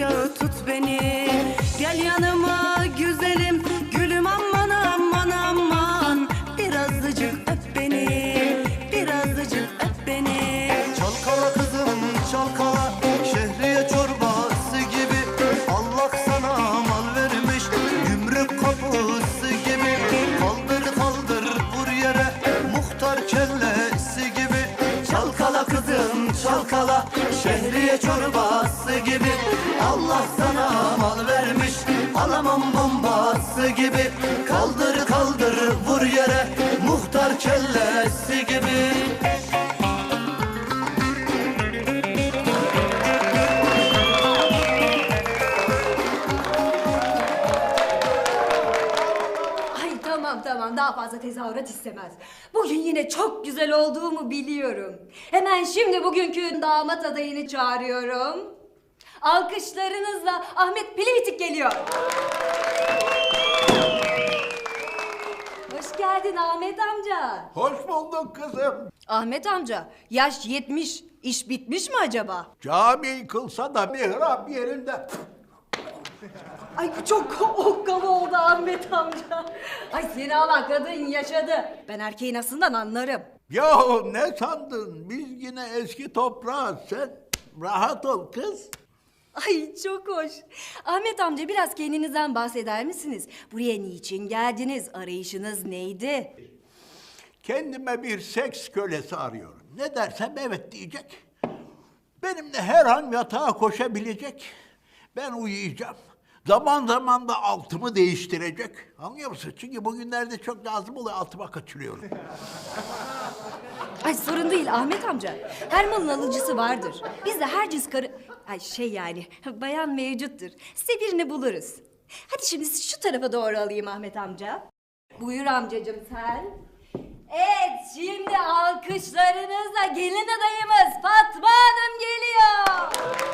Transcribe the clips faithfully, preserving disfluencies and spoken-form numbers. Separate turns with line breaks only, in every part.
kucağı tut beni. Gel yanıma güzelim gülüm aman aman aman. Birazcık öp beni, birazcık öp beni.
Çalkala kızım çalkala, şehriye çorbası gibi. Allah sana mal vermiş, gümrük kapısı gibi. Kaldır kaldır vur yere, muhtar kellesi gibi. Çalkala kızım çalkala, şehriye çorbası gibi. Allah sana mal vermiş, alamam bombası gibi. Kaldır kaldır vur yere, muhtar kellesi gibi.
Ay tamam tamam, daha fazla tezahürat istemez. Bugün yine çok güzel olduğumu biliyorum. Hemen şimdi bugünkü damat adayını çağırıyorum. Alkışlarınızla Ahmet Pilivitik geliyor. Hoş geldin Ahmet amca.
Hoş bulduk kızım.
Ahmet amca, yaş yetmiş, iş bitmiş mi acaba?
Cami yıkılsa da mihrap yerinde.
Ay bu çok okkalı oldu Ahmet amca. Ay seni alan kadın yaşadı. Ben erkeğin aslından anlarım.
Yahu ne sandın? Biz yine eski toprağız. Sen rahat ol kız.
Ay çok hoş. Ahmet amca, biraz kendinizden bahseder misiniz? Buraya niçin geldiniz? Arayışınız neydi?
Kendime bir seks kölesi arıyorum. Ne dersem evet diyecek. Benimle her an yatağa koşabilecek. Ben uyuyacağım. Zaman zaman da altımı değiştirecek. Anlıyor musun? Çünkü bugünlerde çok lazım oluyor, altıma kaçırıyorum.
Ay sorun değil Ahmet amca. Her malın alıcısı vardır. Biz de her cins karı... Ay şey yani, bayan mevcuttur. Size birini buluruz. Hadi şimdi sizi şu tarafa doğru alayım Ahmet amca. Buyur amcacığım sen. Evet, şimdi alkışlarınızla gelin adayımız Fatma Hanım geliyor.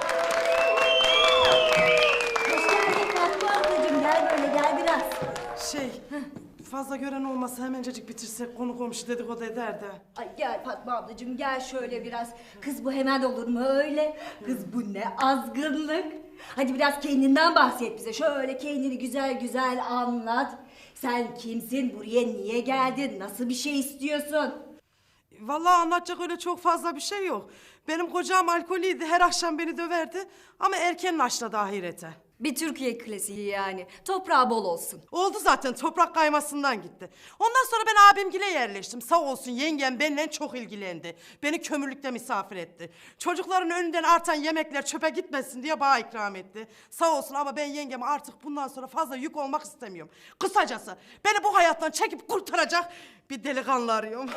Hoş geldin Fatma ablacığım. Gel böyle, gel biraz.
Şey, fazla gören olmasa hemencecik bitirsek, konu komşu dedikodu eder de.
Ay gel Fatma ablacığım, gel şöyle biraz. Kız bu hemen olur mu öyle? Kız bu ne azgınlık. Hadi biraz kendinden bahset bize. Şöyle kendini güzel güzel anlat. Sen kimsin? Buraya niye geldin? Nasıl bir şey istiyorsun?
Vallahi anlatacak öyle çok fazla bir şey yok. Benim kocam alkoliydi, her akşam beni döverdi. Ama erken naşladı ahirete.
Bir Türkiye klasiği yani. Toprağı bol olsun.
Oldu zaten, toprak kaymasından gitti. Ondan sonra ben abimgile yerleştim. Sağ olsun yengem benimle çok ilgilendi. Beni kömürlükte misafir etti. Çocukların önünden artan yemekler çöpe gitmesin diye bana ikram etti. Sağ olsun, ama ben yengeme artık bundan sonra fazla yük olmak istemiyorum. Kısacası beni bu hayattan çekip kurtaracak bir delikanlı arıyorum.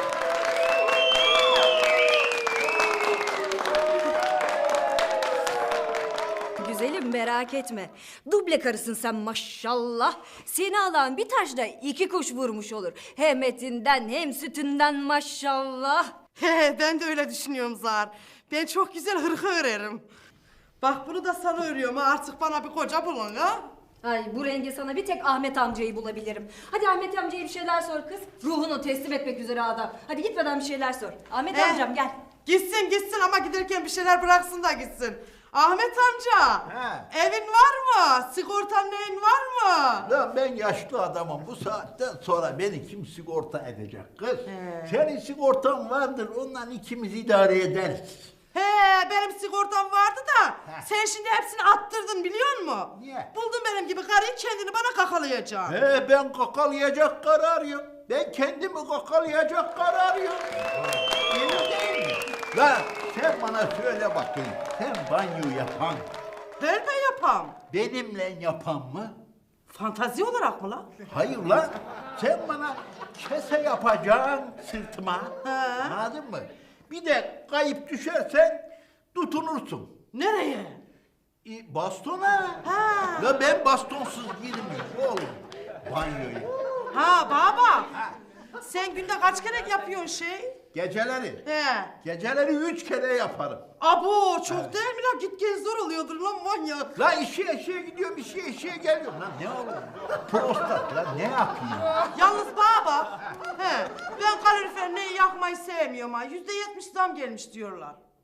Güzelim, merak etme. Duble karısın sen maşallah. Seni alan bir taşla iki kuş vurmuş olur. Hem etinden hem sütünden maşallah.
He, ben de öyle düşünüyorum Zahar. Ben çok güzel hırka örerim. Bak bunu da sana örüyorum ha. Artık bana bir koca bulun ha.
Ay bu renge sana bir tek Ahmet amcayı bulabilirim. Hadi Ahmet amcaya bir şeyler sor kız. Ruhunu teslim etmek üzere adam. Hadi gitmeden bir şeyler sor. Ahmet
He.
amcam gel.
Gitsin gitsin, ama giderken bir şeyler bıraksın da gitsin. Ahmet amca,
He.
evin var mı? Sigortan neyin var mı?
Lan ben yaşlı adamım. Bu saatten sonra beni kim sigorta edecek kız? Senin sigortan vardır. Ondan ikimiz idare ederiz.
He, benim sigortam vardı da
Heh.
sen şimdi hepsini attırdın biliyor musun?
Niye?
Buldun benim gibi karıyı, kendini bana kakalayacaksın.
He, ben kakalayacak kararıyım. Ben kendimi kakalayacak kararıyım. Benim değil mi? Lan sen bana söyle bakayım. Sen banyo yapan,
Ben de yapam.
benimle yapan mı?
Fantazi olarak mı lan?
Hayır lan. Sen bana kese yapacaksın sırtıma.
He.
Anladın mı? Bir de kayıp düşersen tutunursun.
Nereye?
E, bastona.
Ha.
Ya ben bastonsuz girmiyorum oğlum. Banyoyu.
Ha baba. Sen günde kaç kere yapıyorsun şey?
Geceleri.
He.
Geceleri üç kere yaparım.
Abo çok değil mi lan? Git gel zor oluyordur lan manyak.
La işe işe gidiyorum, işe işe geliyorum. Lan ne olur? Prostat lan ne yapayım?
Yalnız baba. He. Ben kalorifer neyi yakmayı sevmiyorum ha. Yüzde yetmiş zam gelmiş diyorlar.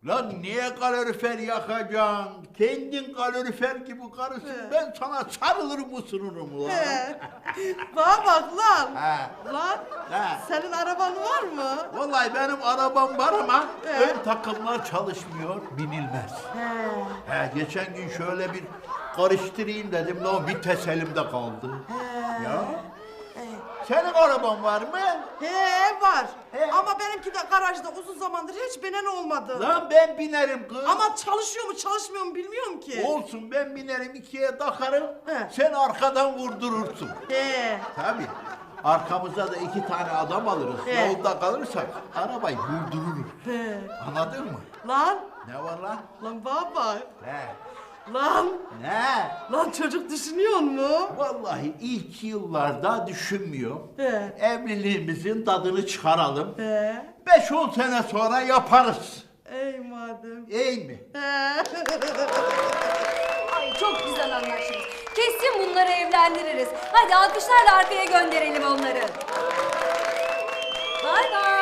Lan niye kalorifer yakacaksın? Kendin kalorifer gibi karısın. Ben sana sarılırım ısınırım lan.
He. Bana bak lan.
He.
Lan
He.
senin araban var mı?
Vallahi benim arabam var ama
He.
ön takımlar çalışmıyor, binilmez.
He.
He, geçen gün şöyle bir karıştırayım dedim, lan vites elimde kaldı. Ya. Senin araban var mı?
He var.
He.
Ama benimki de garajda uzun zamandır hiç binen olmadı.
Lan ben binerim kız.
Ama çalışıyor mu çalışmıyor mu bilmiyorum ki.
Olsun, ben binerim, ikiye takarım.
He.
Sen arkadan vurdurursun.
He.
Tabii. Arkamıza da iki tane adam alırız.
He.
Yolda kalırsak arabayı vurdururuz.
He.
Anladın mı?
Lan.
Ne var lan?
Lan baba.
He.
Lan.
Ne?
Lan çocuk düşünüyor mu?
Vallahi ilk yıllarda düşünmüyor.
He.
Evliliğimizin tadını çıkaralım.
He.
Beş on sene sonra yaparız.
Ey madem.
İyi mi?
He.
Ay çok güzel anlaşırız. Kesin bunları evlendiririz. Hadi alkışlarla arkaya gönderelim onları. Bay bay.